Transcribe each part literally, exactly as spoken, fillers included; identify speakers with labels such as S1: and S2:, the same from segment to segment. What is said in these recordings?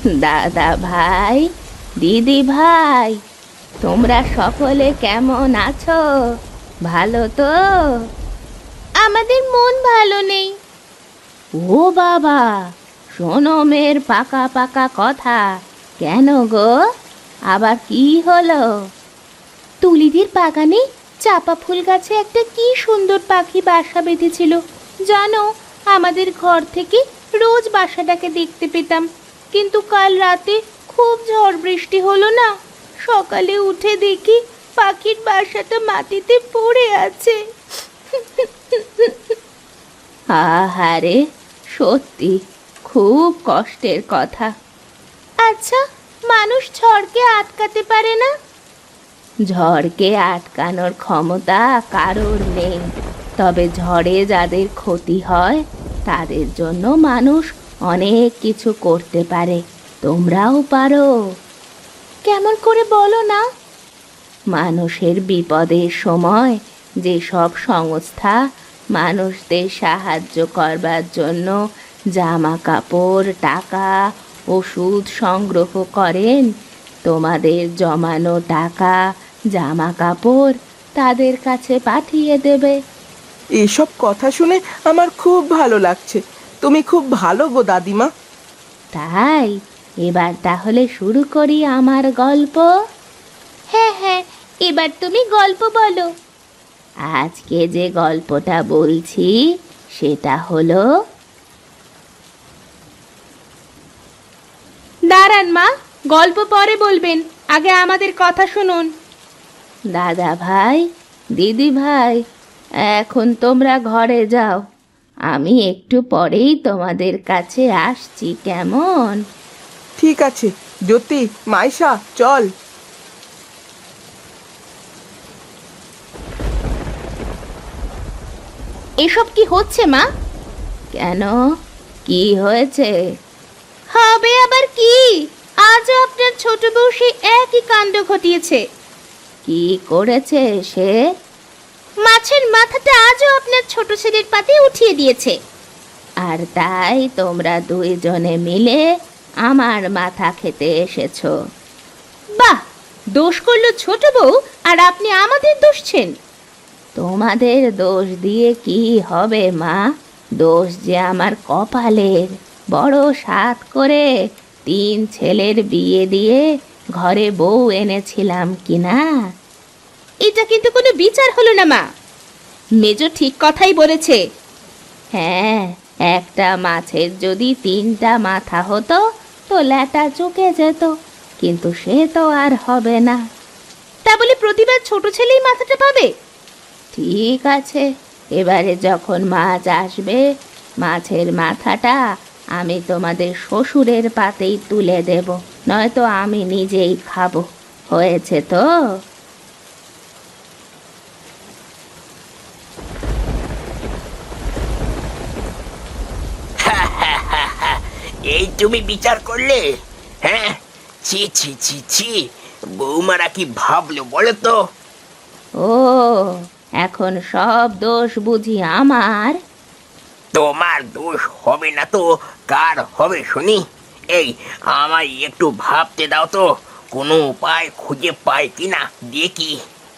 S1: দাদা ভাই, দিদি ভাই, তোমরা সকলে কেমন আছো? ভালো তো? আমাদের মন ভালো নেই। ও বাবা, শোনো মেয়ের পাকা পাকা কথা। কেন গো, আবার কি হলো? তুলিদের বাগানে চাপা ফুল গাছে একটা কি সুন্দর পাখি বাসা বেঁধেছিল জানো। আমাদের ঘর থেকে রোজ বাসাটাকে দেখতে পেতাম, কিন্তু কাল রাতে খুব ঝড় বৃষ্টি হলো না, সকালে উঠে দেখি পাখির বাসাটা মাটিতে পড়ে আছে। আহারে, সত্যি খুব কষ্টের কথা। আচ্ছা, মানুষ ঝড়কে আটকাতে পারে না? ঝড়কে আটকানোর ক্ষমতা কারোর নেই, তবে ঝড়ে যাদের ক্ষতি হয় তাদের জন্য মানুষ অনেক কিছু করতে পারে। তোমরাও পারো। কেমন করে বলো না? মানুষের বিপদের সময় যেসব সংস্থা মানুষদের সাহায্য করবার জন্য জামা কাপড়, টাকা, ওষুধ সংগ্রহ করেন, তোমাদের জমানো টাকা, জামা কাপড় তাদের কাছে পাঠিয়ে দেবে।
S2: এসব কথা শুনে আমার খুব ভালো লাগছে। তুমি খুব ভালো গো দাদিমা।
S1: তাই এবার তাহলে শুরু করি আমার গল্প। হ্যাঁ হ্যাঁ, এবার তুমি গল্প বলো। আজকে যে গল্পটা বলছি সেটা হলো। দাঁড়ান মা, গল্প পরে বলবেন, আগে আমাদের কথা শুনুন। দাদা ভাই, দিদি ভাই, এখন তোমরা ঘরে যাও, আমি একটু পরেই তোমাদের কাছে আসছি, কেমন?
S2: ঠিক আছে জ্যোতি, মাইশা, চল।
S1: এসব কি হচ্ছে মা? কেন, কি হয়েছে? হবে আবার কি, আজও আপনার ছোট বউ সে একই কাণ্ড ঘটিয়েছে। কি করেছে সে? মাছের মাথাটা আজও আপনার ছোট ছেলের পাতে উঠিয়ে দিয়েছে। আর তাই তোমরা দুইজনে মিলে আমার মাথা খেতে এসেছো? বাহ, দোষ করলো ছোট বউ আর আপনি আমাদের দোষছেন। তোমাদের দোষ দিয়ে কি হবে মা? দোষ যে আমার কপালের। বড় সাধ করে তিন ছেলের বিয়ে দিয়ে ঘরে বউ এনেছিলাম কিনা। এটা কিন্তু কোনো বিচার হলো না মা। মেজো ঠিক কথাই বলেছে। হ্যাঁ, একটা মাছের যদি তিনটা মাথা হতো তো ল্যাটা চুকে যেত, কিন্তু সে তো আর হবে না। তা বলে প্রতিবার ছোট ছেলেই মাথাটা পাবে? ঠিক আছে, এবারে যখন মাছ আসবে, মাছের মাথাটা আমি তোমাদের শ্বশুরের পাতেই তুলে দেব, নয়তো আমি নিজেই খাবো। হয়েছে তো?
S3: এই তুমি বিচার করলে? হ্যাঁ, ছি ছি ছি ছি, বৌমারা কি ভাবলো বলো তো?
S1: ও, এখন সব দোষ বুঝি আমার?
S3: তোমার দোষ হবে না তো কার হবে শুনি? এই, আমায় একটু ভাবতে দাও তো, কোনো উপায় খুঁজে পাই কিনা দেখি।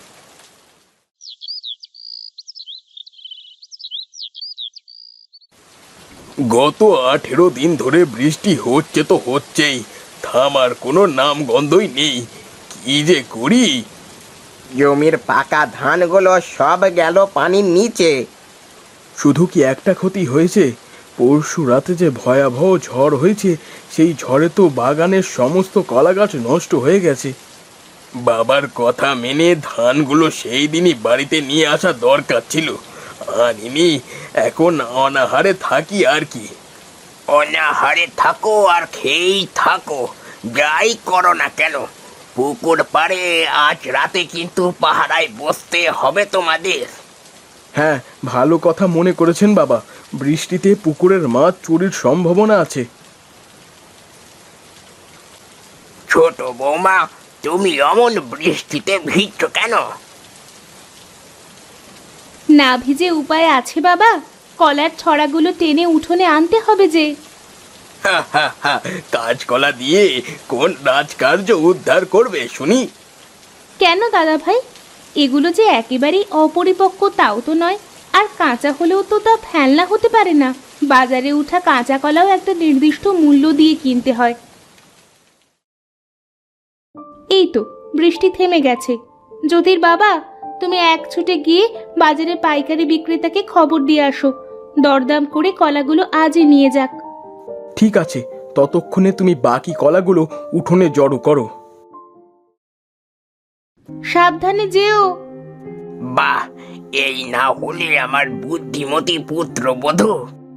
S4: গত আঠেরো দিন ধরে বৃষ্টি হচ্ছে তো হচ্ছেই, থামার কোনো নাম গন্ধই নেই। কি যে করি!
S5: জমির পাকা ধানগুলো সব গেল পানির নিচে।
S4: শুধু কি একটা ক্ষতি হয়েছে? পরশু রাতে যে ভয়াবহ ঝড় হয়েছে, সেই ঝড়ে তো বাগানের সমস্ত কলা গাছ নষ্ট হয়ে গেছে। বাবার কথা মেনে ধানগুলো সেই দিনই বাড়িতে নিয়ে আসা দরকার ছিল, আনিনি। এখন অনাহারে থাকি আর কি।
S3: অনাহারে থাকো আর খেয়েই থাকো, যাই করো না কেন। পুকুর পাড়ে আজ রাতে কিন্তু পাহারায় বসতে হবে তোমাদের।
S4: হ্যাঁ, ভালো কথা মনে করেছেন বাবা। বৃষ্টিতে পুকুরের মাছ চুরির সম্ভাবনা আছে।
S3: ছোট বৌমা, তুমি অমন বৃষ্টিতে ভিজছো কেন?
S1: না ভিজে উপায় আছে বাবা? কলার ছড়াগুলো টেনে উঠোনে আনতে হবে যে।
S4: কাঁচকলা দিয়ে কোন রাজকার্য উদ্ধার করবে শুনি?
S1: কেন দাদা ভাই, এগুলো যে একেবারেই অপরিপক্ক তাও তো নয়, আর কাঁচা হলেও তো তা ফেলনা হতে পারে না। বাজারে উঠা কাঁচা কলাও একটা নির্দিষ্ট মূল্য দিয়ে কিনতে হয়। এই তো বৃষ্টি থেমে গেছে। জ্যোতির বাবা, তুমি এক ছুটে গিয়ে বাজারে পাইকারি বিক্রেতাকে খবর দিয়ে আসো, দরদাম করে কলাগুলো আজই নিয়ে যাক।
S4: ঠিক আছে, ততক্ষণে তুমি বাকি কলাগুলো উঠোনে জড়ো করো।
S1: সাবধানে যেও।
S3: বাহ, এই না হলে আমার বুদ্ধিমতী পুত্রবধূ।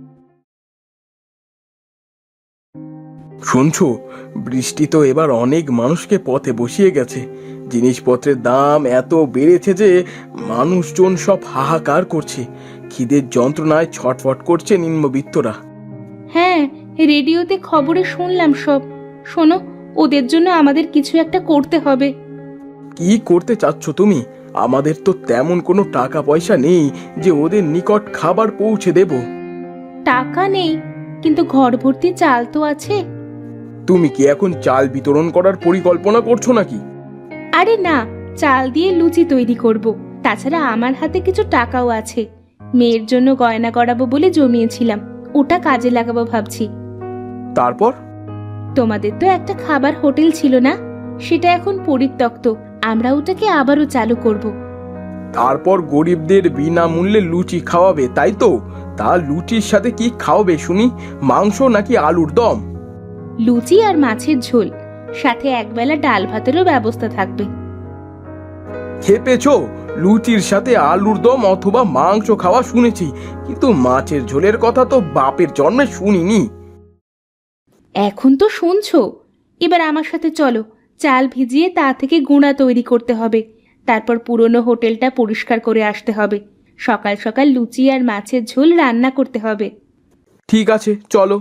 S4: শুনছো, বৃষ্টি তো এবার অনেক মানুষকে পথে বসিয়ে গেছে। জিনিসপত্রের দাম এত বেড়েছে যে মানুষজন সব হাহাকার করছে। খিদের যন্ত্রণায় ছটফট করছে নিম্নবিত্তরা।
S1: হ্যাঁ, রেডিওতে খবরে শুনলাম সব। শোনো, ওদের জন্য আমাদের কিছু একটা করতে হবে।
S4: কি করতে চাচ্ছ তুমি? আমাদের তো তেমন কোনো টাকা পয়সা নেই যে ওদের নিকট খাবার পৌঁছে দেব।
S1: টাকা নেই, কিন্তু ঘর ভর্তি চাল তো আছে।
S4: তুমি কি এখন চাল বিতরণ করার পরিকল্পনা করছো নাকি?
S1: আরে না, চাল দিয়ে লুচি তৈরি করব। তাছাড়া আমার হাতে কিছু টাকাও আছে। মেয়ের জন্য গয়না করাবো বলে জমিয়েছিলাম, ওটা কাজে লাগাবো ভাবছি।
S4: তারপর?
S1: তোমাদের তো একটা খাবার হোটেল ছিল না, সেটা এখন পরিত্যক্ত। আমরা ওটাকে আবারও চালু করব।
S4: তারপর গরিবদের বিনামূল্যে লুচি খাওয়াবে, তাই তো? তা লুচির সাথে কি খাওয়াবে শুনি? মাংস নাকি আলুর দম?
S1: লুচি আর মাছের ঝোল, সাথে একবেলা ডাল ভাতেরও ব্যবস্থা থাকবে।
S4: খেপেছো? লুচির সাথে আলুর দম অথবা মাংস খাওয়া শুনেছি, কিন্তু মাছের ঝোলের কথা তো বাপের জন্মে শুনিনি।
S1: এখন তো শুনছো, এবার আমার সাথে চলো। চাল ভিজিয়ে তা থেকে গুঁড়া তৈরি করতে হবে। তারপর পুরনো হোটেলটা পরিষ্কার করে আসতে হবে। সকাল সকাল লুচি আর মাছের ঝোল রান্না করতে হবে।
S4: ঠিক আছে, চলো।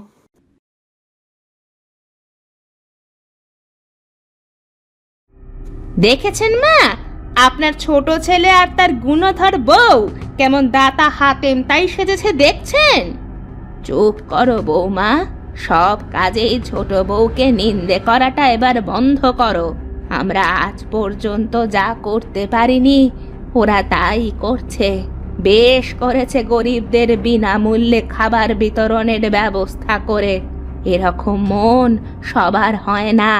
S1: দেখেছেন মা, আপনার ছোট ছেলে আর তার গুণধর বউ কেমন দাতা হাতেম তাই সেজেছে দেখছেন? চুপ করো বৌমা, সব কাজেই ছোট বউকে নিন্দে করাটা এবার বন্ধ করো। আমরা আজ পর্যন্ত যা করতে পারিনি ওরা তাই করছে। বেশ করেছে গরিবদের বিনামূল্যে খাবার বিতরণের ব্যবস্থা করে। এরকম মন সবার হয় না।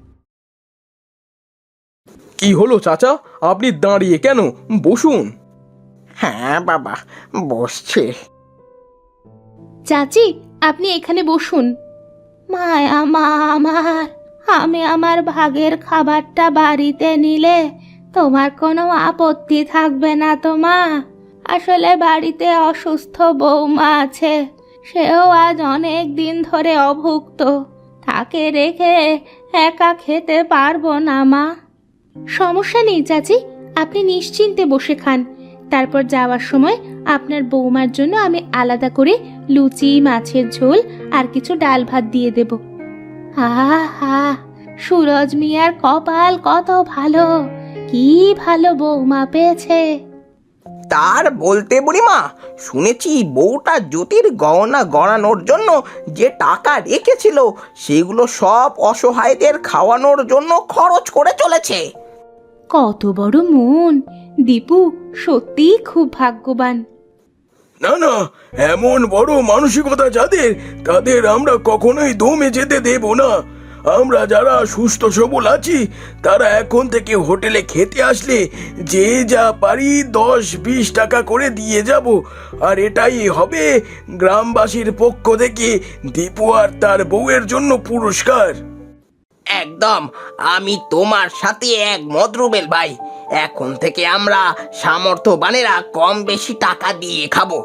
S4: কি হলো চাচা, আপনি দাঁড়িয়ে কেন? বসুন।
S5: হ্যাঁ বাবা, বসছে।
S1: চাচি, আপনি এখানে বসুন। মায়া মা আমার, আমি আমার ভাগের খাবারটা বাড়িতে নিলে তোমার কোনো আপত্তি থাকবে না তো মা? আসলে বাড়িতে অসুস্থ বৌমা আছে, সেও আজ অনেক দিন ধরে অভুক্ত। তাকে রেখে একা খেতে পারবো না মা। সমস্যা নেই চাচি, আপনি নিশ্চিন্তে বসে খান। তারপর যাওয়ার সময় আপনার বৌমার জন্য আমি আলাদা করে লুচি, মাছের ঝোল আর কিছু ডাল ভাত দিয়ে দেব। আহা, সুরজ মিয়ার কপাল কত ভালো, কি ভালো বৌমা পেয়েছে।
S5: তার বলতে বুড়িমা, শুনেছি বউটা জ্যোতির গহনা গড়ানোর জন্য যে টাকা রেখেছিল সেগুলো সব অসহায়দের খাওয়ানোর জন্য খরচ করে চলেছে।
S1: কত বড় মন! দীপু সত্যিই খুব ভাগ্যবান।
S4: না না, এমন বড় মানসিকতা যাদের, তাদের আমরা কখনোই দমে যেতে দেব না। আমরা যারা সুস্থ সবল আছি তারা এখন থেকে হোটেলে খেতে আসলে যে যা পারি দশ বিশ টাকা করে দিয়ে যাব। আর এটাই হবে গ্রামবাসীর পক্ষ থেকে দীপু আর তার বউয়ের জন্য পুরস্কার।
S3: একদম, আমি তোমার সাথে একমত রুবেল ভাই। এখন থেকে আমরা সামর্থ্যবানেরা কম বেশি টাকা দিয়ে খাবো।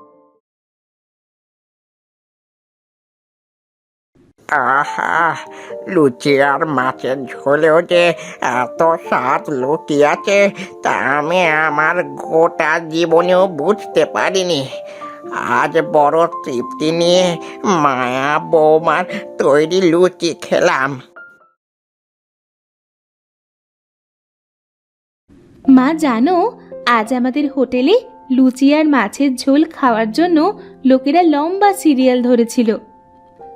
S5: আহা, লুচি আর মাছের ঝোলেও যে এত স্বাদ লুকিয়েছে তা আমি আমার গোটা জীবনেও বুঝতে পারিনি। আজ বড় তৃপ্তি নিয়ে মায়া বৌমার তৈরি লুচি খেলাম।
S1: মা জানো, আজ আমাদের হোটেলে লুচি আর মাছের ঝোল খাওয়ার জন্য লোকেরা লম্বা সিরিয়াল ধরেছিল।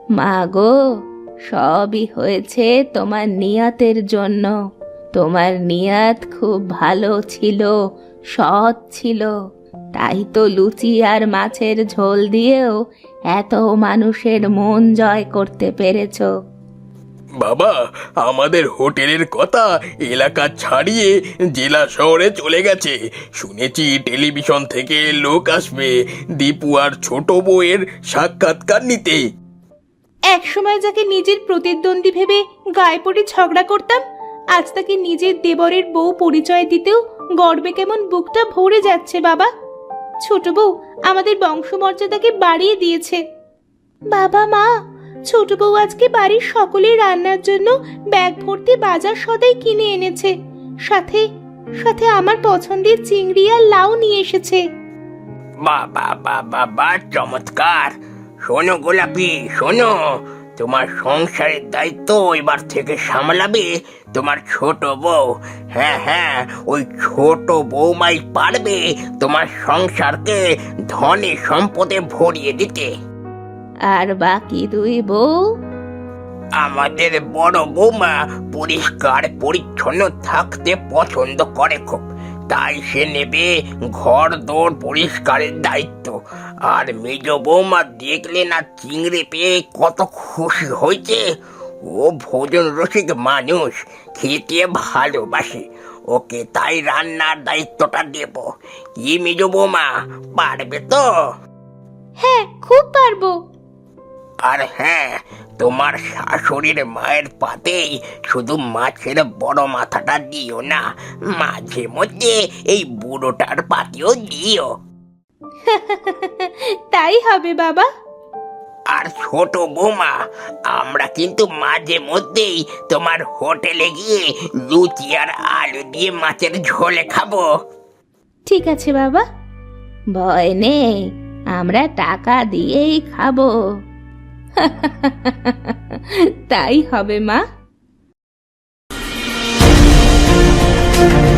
S1: মা গো, সবই হয়েছে তোমার নিয়তের জন্য। তোমার নিয়ত খুব ভালো ছিল, সৎ ছিল, তাই তো লুচি আর মাছের ঝোল দিয়েও এত মানুষের মন জয় করতে পেরেছো।
S4: বাবা, আমাদের হোটেলের কথা এলাকা ছাড়িয়ে জেলা শহরে চলে গেছে। শুনেছি টেলিভিশন থেকে লোক আসবে দীপু আর ছোট বউয়ের সাক্ষাৎকার নিতে।
S1: একসময় যাকে নিজের প্রতিদ্বন্দ্বী ভেবে গায়ে পড়ে ঝগড়া করতাম, আজ তাকে নিজের দেবরের বউ পরিচয় দিতেও গর্বে কেমন বুকটা ভরে যাচ্ছে বাবা। ছোট বউ আমাদের বংশমর্যাদাকে বাড়িয়ে দিয়েছে। বাবা মা, ছোট বউ আজকে বাড়ির সকলের রান্নার জন্য ব্যাগ ভর্তি বাজার সদাই কিনে এনেছে, সাথে সাথে আমার পছন্দের চিংড়ি আর লাউ নিয়ে এসেছে।
S3: বাবা বাবা বা চমৎকার। শোনো গোলাপি, শোনো, তোমার সংসারের দায়িত্ব এবার থেকে সামলাবে তোমার ছোট বউ। হ্যাঁ হ্যাঁ, ওই ছোট বউমাই পারবে তোমার সংসারকে ধনে সম্পদে ভরিয়ে দিতে।
S1: আর বাকি দুই বউ?
S3: আমাদের বড় বৌমা পরিষ্কার পরিচ্ছন্ন থাকতে পছন্দ করে খুব, তাই সে নেবে ঘর দৌড় পরিষ্কারের দায়িত্ব। আর মেজ বৌমা দেখলে না চিংড়ি পেয়ে কত খুশি হয়েছে। ও ভোজন রসিক মানুষ, খেতে ভালোবাসে, ওকে তাই রান্নার দায়িত্বটা দেব। কি মেজ বৌমা, পারবে তো?
S1: হ্যাঁ, খুব পারবো।
S3: আর হ্যাঁ, তোমার শাশুড়ির মায়ের পাতেই শুধু মাছের বড় মাথাটা দিও না, মাঝে মধ্যে এই বুড়োটার পাতেও দিও।
S1: তাই হবে বাবা।
S3: আর ছোট বৌমা, আমরা কিন্তু মাঝে মধ্যেই তোমার হোটেলে গিয়ে লুচি আর আলু দিয়ে মাছের ঝোলে খাবো।
S1: ঠিক আছে বাবা, ভয় নেই, আমরা টাকা দিয়েই খাবো। তাই হবে মা।